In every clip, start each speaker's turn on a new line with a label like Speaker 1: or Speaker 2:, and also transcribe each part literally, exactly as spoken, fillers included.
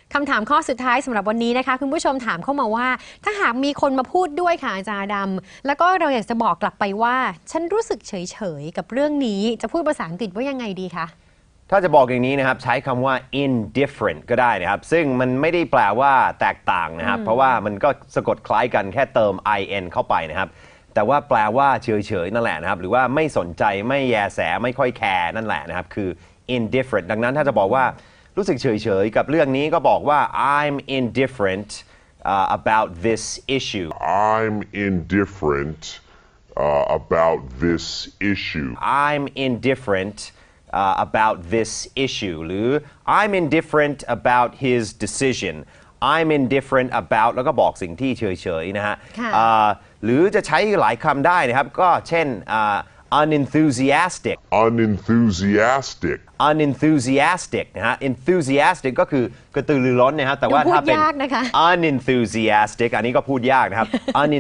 Speaker 1: คำถามข้อสุดท้ายสำหรับวันนี้นะคะคุณผู้ชมถามเข้ามาว่าถ้าหากมีคนมาพูดด้วยค่ะอาจารย์ดำแล้วก็เราอยากจะบอกกลับไปว่าฉันรู้สึกเฉยๆกับเรื่องนี้จะพูดภาษาอังกฤษว่ายังไงดีคะ
Speaker 2: ถ้าจะบอกอย่างนี้นะครับใช้คำว่า indifferent ก็ได้นะครับซึ่งมันไม่ได้แปลว่าแตกต่างนะครับเพราะว่ามันก็สะกดคล้ายกันแค่เติม in เข้าไปนะครับแต่ว่าแปลว่าเฉยๆนั่นแหละนะครับหรือว่าไม่สนใจไม่แยแสไม่ค่อยแคร์นั่นแหละนะครับคือ indifferent ดังนั้นถ้าจะบอกว่ารู้สึกเฉยๆกับเรื่องนี้ก็บอกว่า I'm indifferent uh, about this issue
Speaker 3: I'm indifferent uh, about this issue
Speaker 2: I'm indifferent uh, about this issue หรือ I'm indifferent about his decision I'm indifferent about แล้วก็บอกสิ่งที่เฉยๆนะฮะหรือจะใช้หลายคำได้นะครับก็เช่น uh, unenthusiastic
Speaker 3: unenthusiastic
Speaker 2: unenthusiastic นะฮะ enthusiastic ก็คือกระตือรือร้นนะครับแต่ว่าถ้าเป็น unenthusiastic อันนี้ก็พูดยากนะครับ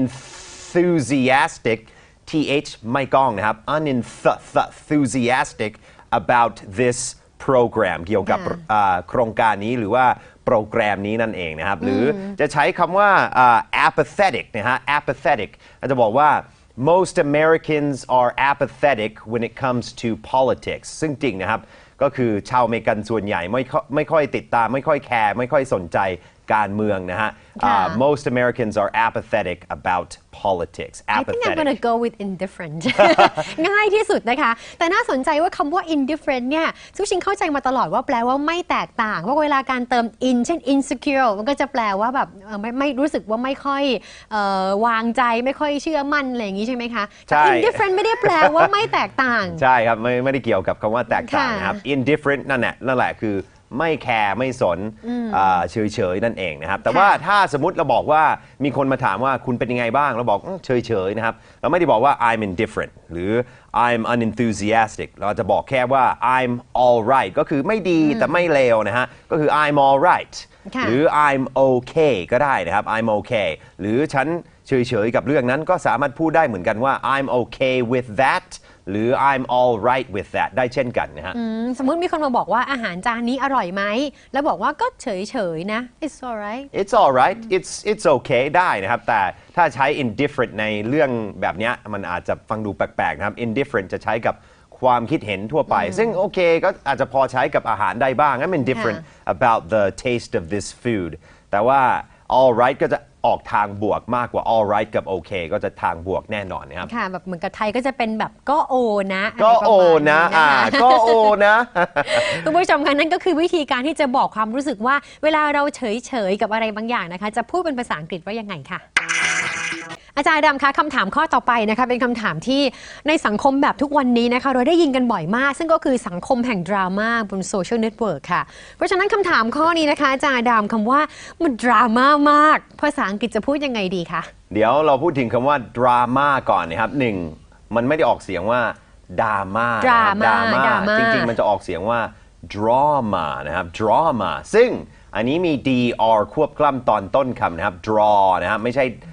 Speaker 2: unenthusiastic th ไม่ก้องนะครับ unenthusiastic about this program เกี่ยวกับโครงการนี้หรือว่าโปรแกรมนี้นั่นเองนะครับหรือจะใช้คำว่า apathetic นะฮะ apathetic อาจจะบอกว่าmost Americans are apathetic when it comes to politics ซึ่งจริงนะครับก็คือชาวอเมริกันส่วนใหญ่ไม่ไม่ค่อยติดตามไม่ค่อยแคร์ไม่ค่อยสนใจการเมืองนะฮะ uh, most Americans are apathetic about politics
Speaker 1: apathetic. I think I'm gonna go with indifferent ง่ายที่สุดนะคะแต่น่าสนใจว่าคำว่า indifferent เนี่ยทุกชิงเข้าใจมาตลอดว่าแปลว่าไม่แตกต่างว่าเวลาการเติม in เช่น insecure มันก็จะแปลว่าแบบไม่ไม่รู้สึกว่าไม่ค่อยวางใจไม่ค่อยเชื่อมั่นอะไรอย่างนี้ใช่ไหมคะแต่ indifferent ไม่ได้แปลว่าไม่แตกต่าง
Speaker 2: ใช่ครับไม่ไม่ได้เกี่ยวกับคำว่าแตกต่างนะครับ indifferent นั่นแหละนั่นแหละคือไม่แคร์ไม่สนเฉยๆนั่นเองนะครับแต่ว่าถ้าสมมติเราบอกว่ามีคนมาถามว่าคุณเป็นยังไงบ้างเราบอกเฉยๆนะครับเราไม่ได้บอกว่า I'm indifferent หรือ I'm unenthusiastic เราจะบอกแค่ว่า I'm alright ก็คือไม่ดีแต่ไม่เลวนะฮะก็คือ I'm alright หรือ I'm okay ก็ได้นะครับ I'm okay หรือฉันเฉยๆกับเรื่องนั้นก็สามารถพูดได้เหมือนกันว่า I'm okay with thatหรือ I'm all right with that ได้เช่นกันนะฮะ
Speaker 1: สมมุติมีคนมาบอกว่าอาหารจานนี้อร่อยไหมแล้วบอกว่าก็เฉยๆนะ It's alright
Speaker 2: It's alright It's It's okay ได้นะครับแต่ถ้าใช้ indifferent ในเรื่องแบบนี้มันอาจจะฟังดูแปลกๆนะครับ indifferent จะใช้กับความคิดเห็นทั่วไปซึ่งโอเคก็อาจจะพอใช้กับอาหารได้บ้าง I'm indifferent about the taste of this food แต่ว่า all right ก็จะออกทางบวกมากกว่า all right กับ okay ก็จะทางบวกแน่นอนนะครับ
Speaker 1: ค่ะแบบเหมือนกับไทยก็จะเป็นแบบก็โอนะ
Speaker 2: ก็โอนะอ่าก็โอนะ
Speaker 1: คุณผู้ชมคะนั่นก็คือวิธีการที่จะบอกความรู้สึกว่าเวลาเราเฉยๆกับอะไรบางอย่างนะคะจะพูดเป็นภาษาอังกฤษว่ายังไงค่ะอาจารย์ดำคะคำถามข้อต่อไปนะคะเป็นคำถามที่ในสังคมแบบทุกวันนี้นะคะเราได้ยินกันบ่อยมากซึ่งก็คือสังคมแห่งดราม่าบนโซเชียลเน็ตเวิร์กค่ะเพราะฉะนั้นคำถามข้อนี้นะคะอาจารย์ดำคำว่ามันดราม่ามากภาษาอังกฤษจะพูดยังไงดีคะ
Speaker 2: เดี๋ยวเราพูดถึงคำว่าดราม่าก่อนนะครับหนึ่งมันไม่ได้ออกเสียงว่าดราม่า
Speaker 1: ดราม่า
Speaker 2: จริงๆมันจะออกเสียงว่า drama นะครับ drama ซึ่งอันนี้มี dr ควบกล้ำตอนต้นคำนะครับ draw นะครับไม่ใช่